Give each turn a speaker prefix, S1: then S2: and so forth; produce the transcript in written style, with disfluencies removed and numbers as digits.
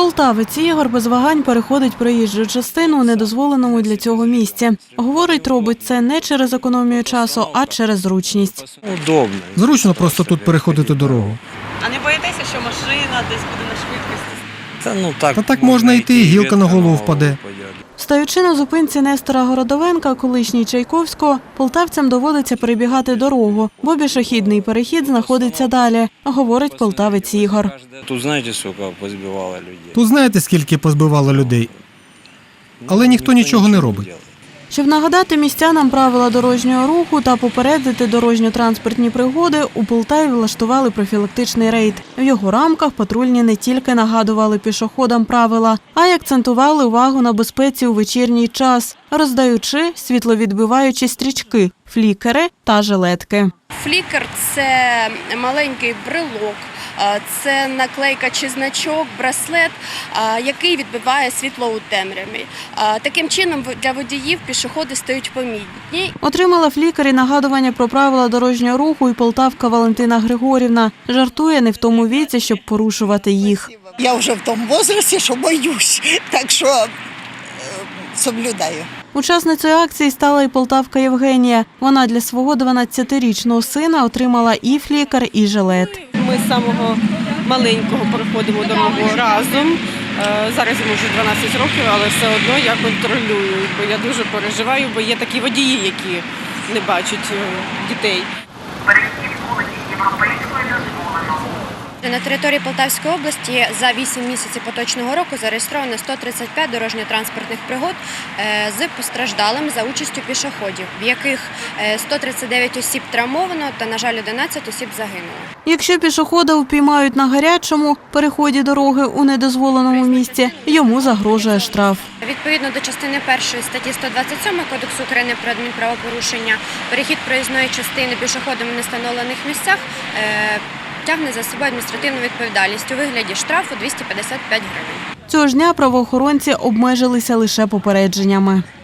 S1: Полтавець Ігор без вагань переходить проїжджу частину у недозволеному для цього місці. Говорить, робить це не через економію часу, а через зручність.
S2: Удобно.
S3: Зручно просто тут переходити дорогу.
S1: А не боїтеся, що машина десь буде на швидкості?
S3: Та так можна йти, і гілка на голову впаде.
S1: Стоячи на зупинці Нестора Городовенка, колишній Чайковського, полтавцям доводиться перебігати дорогу, бо пішохідний перехід знаходиться далі, говорить полтавець Ігор.
S2: Тут знаєте, скільки позбивало людей?
S3: Тут знаєте, скільки позбивало людей, але ніхто нічого не робить.
S1: Щоб нагадати містянам правила дорожнього руху та попередити дорожньо-транспортні пригоди, у Полтаві влаштували профілактичний рейд. В його рамках патрульні не тільки нагадували пішоходам правила, а й акцентували увагу на безпеці у вечірній час, роздаючи світловідбиваючі стрічки, флікери та жилетки.
S4: Флікер – це маленький брелок, це наклейка чи значок, браслет, який відбиває світло у темряві. Таким чином для водіїв пішоходи стають помітні.
S1: Отримала флікер і нагадування про правила дорожнього руху і полтавка Валентина Григорівна. Жартує, не в тому віці, щоб порушувати їх.
S5: Я вже в тому віці, що боюсь, так що соблюдаю.
S1: Учасницею акції стала і полтавка Євгенія. Вона для свого 12-річного сина отримала і флікер, і жилет.
S6: Ми з самого маленького переходимо дорогу разом. Зараз йому вже 12 років, але все одно я контролюю, бо я дуже переживаю, бо є такі водії, які не бачать дітей.
S7: Перехід вулиці Європейської дозволено.
S4: На території Полтавської області за 8 місяців поточного року зареєстровано 135 дорожньо-транспортних пригод з постраждалими за участю пішоходів, в яких 139 осіб травмовано та, на жаль, 11 осіб загинуло.
S1: Якщо пішохода упіймають на гарячому переході дороги у недозволеному місці, йому загрожує штраф.
S4: Відповідно до частини 1 статті 127 Кодексу України про адмінправопорушення, перехід проїзної частини пішоходами в невстановлених місцях тягне за собою адміністративну відповідальність у вигляді штрафу 255 гривень.
S1: Цього ж дня правоохоронці обмежилися лише попередженнями.